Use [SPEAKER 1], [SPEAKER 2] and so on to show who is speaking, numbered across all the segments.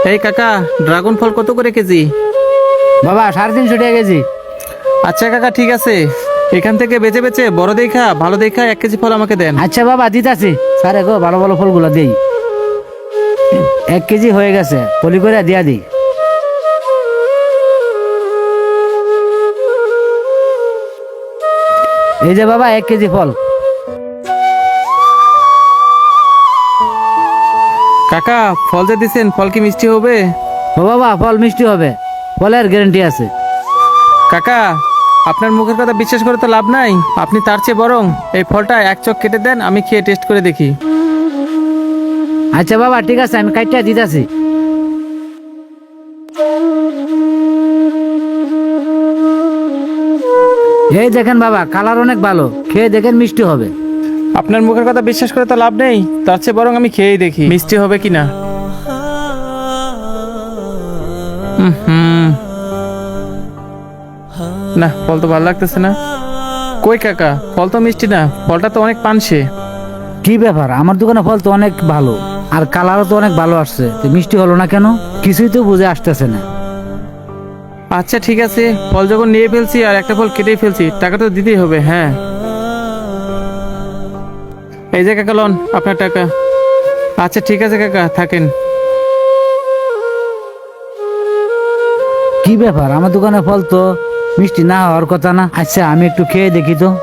[SPEAKER 1] এই কাকা, ড্রাগন ফল কত করে কেজি?
[SPEAKER 2] বাবা 350 টাকা কেজি।
[SPEAKER 1] আচ্ছা কাকা, ঠিক আছে। এখান থেকে বেচে বেচে বড় দেখা ভালো দেখা 1 কেজি ফল আমাকে দেন।
[SPEAKER 2] আচ্ছা বাবা দিতাছি। স্যার গো ভালো ভালো ফলগুলো দেই। 1 কেজি হয়ে গেছে, পলি করে দিয়া দিই। এই যে বাবা 1 কেজি ফল।
[SPEAKER 1] কাকা, ফল যে দিছেন, ফল কি মিষ্টি হবে?
[SPEAKER 2] ও বাবা ফল মিষ্টি হবে, ফলের গ্যারান্টি আছে।
[SPEAKER 1] কাকা, আপনার মুখের কথা বিশ্বাস করে তো লাভ নাই। আপনি তার চেয়ে বরং এই ফলটা 1 চক কেটে দেন, আমি খেয়ে টেস্ট করে দেখি।
[SPEAKER 2] আচ্ছা বাবা ঠিক আছে, আমি কাইটা দিতাছি। এই দেখেন বাবা, কালার অনেক ভালো, খেয়ে দেখেন মিষ্টি হবে।
[SPEAKER 1] আপনার মুখের কথা বিশ্বাস করে তো লাভ নেই, তার চেয়ে বরং আমি খেয়েই দেখি মিষ্টি হবে কিনা। না, ফল তো ভালো লাগতেছে না। কই কাকা, ফল তো মিষ্টি না, ফলটা তো অনেক পানসে।
[SPEAKER 2] কি ব্যাপার, আমার দোকানে ফল তো অনেক ভালো, আর কালারও তো অনেক ভালো আসছে, তো মিষ্টি হলো না কেন? কিছুই তো বুঝে আসতেছে না।
[SPEAKER 1] আচ্ছা ঠিক আছে, ফল যখন নিয়ে ফেলছি আর একটা ফল কেটেই ফেলছি, টাকা তো দিতেই হবে। হ্যাঁ, এই যে কাকা লন আপনার টাকা। আচ্ছা ঠিক আছে কাকা, থাকেন।
[SPEAKER 2] কি ব্যাপার, আমার দোকানে ফল তো মিষ্টি না হওয়ার কথা না। আচ্ছা আমি একটু খেয়ে দেখি তো।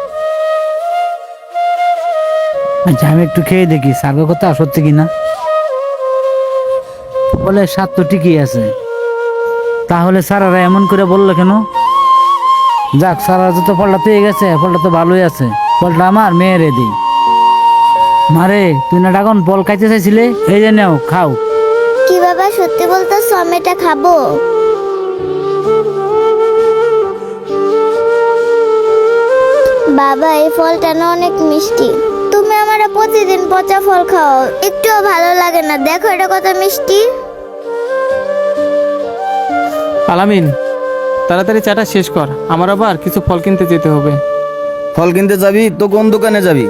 [SPEAKER 2] আচ্ছা আমি একটু খেয়ে দেখি সার্গের কথা সত্যি কিনা। ফলের স্বাদ তো ঠিকই আছে, তাহলে স্যারেরা এমন করে বললো কেন? যাক, স্যারেরা তো ফলটা পেয়ে গেছে, ফলটা তো ভালোই আছে, ফলটা আমার মেয়েরে দিই। মারে, তুই না ড্রাগন ফল খাইতে চাইছিলে, এই যে নাও খাও।
[SPEAKER 3] কি বাবা, সত্যি বলতেছো আমি এটা খাবো? বাবা এই ফলটা না অনেক মিষ্টি। তুমি আমারে প্রতিদিন পচা ফল খাও, একটুও ভালো লাগে না। দেখো এটা কত মিষ্টি।
[SPEAKER 1] আলামিন, তাড়াতাড়ি চাটা শেষ কর, আমার আবার কিছু ফল কিনতে যেতে হবে।
[SPEAKER 4] ফল কিনতে যাবি তো কোন দোকানে যাবি?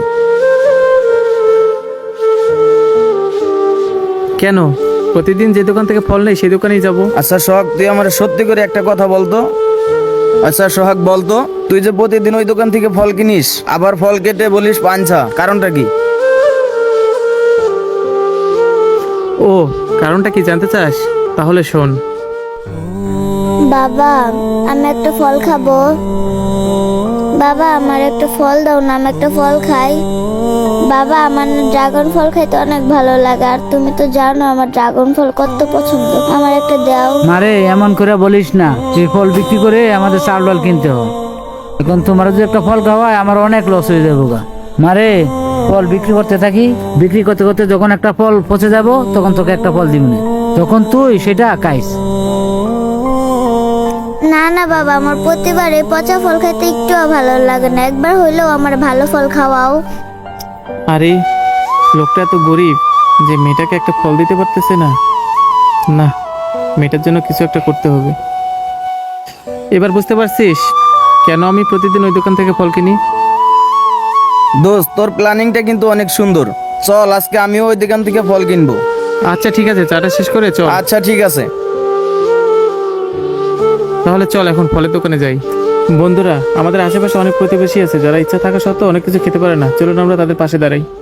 [SPEAKER 1] কেন, প্রতিদিন যে দোকান থেকে ফল নেই সেই দোকানেই যাব।
[SPEAKER 4] আচ্ছা সোহাগ, তুই আমার সত্যি করে একটা কথা বলতো। আচ্ছা সোহাগ বলতো, তুই যে প্রতিদিন ওই দোকান থেকে ফল কিনিস, আবার ফল কেটে বলিস পাঞ্ছা, কারণটা কি?
[SPEAKER 1] ও, কারণটা কি জানতে চাস? তাহলে শোন।
[SPEAKER 3] বাবা আমি একটা ফল খাবো। বাবা আমার একটা ফল দাও না, আমি একটা ফল খাই। বাবা আমার ড্রাগন ফল খাইতে অনেক ভালো লাগে, আর তুমি তো জানো আমার ড্রাগন ফল কত পছন্দ। আমার একটা দাও।
[SPEAKER 2] মারে এমন করে বলিস না, এই ফল বিক্রি করে আমাদের চাল ডাল কিনতে হয়। এখন তোমার যদি একটা ফল খাওয়ায় আমার অনেক লস হয়ে যাবো গা। মারে, ফল বিক্রি করতে থাকি, বিক্রি করতে করতে যখন একটা ফল পচে যাব, তখন তোকে একটা ফল দিব না, তখন তুই সেটা খাইস।
[SPEAKER 3] না না বাবা, আমার প্রতিবার এই পচা ফল খাইতে একটুও ভালো লাগে না, একবার হইলেও আমার ভালো ফল খাওয়াও।
[SPEAKER 1] আরে, লোকটা এত গরিব যে মেয়েটাকে একটা ফল দিতে পারতেছে না। না, মেয়েটার জন্য কিছু একটা করতে হবে। এবার বুঝতে পারছিস কেন আমি প্রতিদিন ওই দোকান থেকে ফল কিনি?
[SPEAKER 4] দোস্ত, তোর প্ল্যানিংটা কিন্তু অনেক সুন্দর। চল আজকে আমিও ওই দোকান থেকে ফল কিনবো।
[SPEAKER 1] আচ্ছা ঠিক আছে, চাটা শেষ করে চল।
[SPEAKER 4] আচ্ছা ঠিক আছে।
[SPEAKER 1] তাহলে চল এখন ফলের দোকানে যাই। বন্ধুরা, আমাদের আশেপাশে অনেক প্রতিবেশী আছে যারা ইচ্ছা থাকা সত্ত্বেও অনেক কিছু খেতে পারে না। চলুন আমরা তাদের পাশে দাঁড়াই।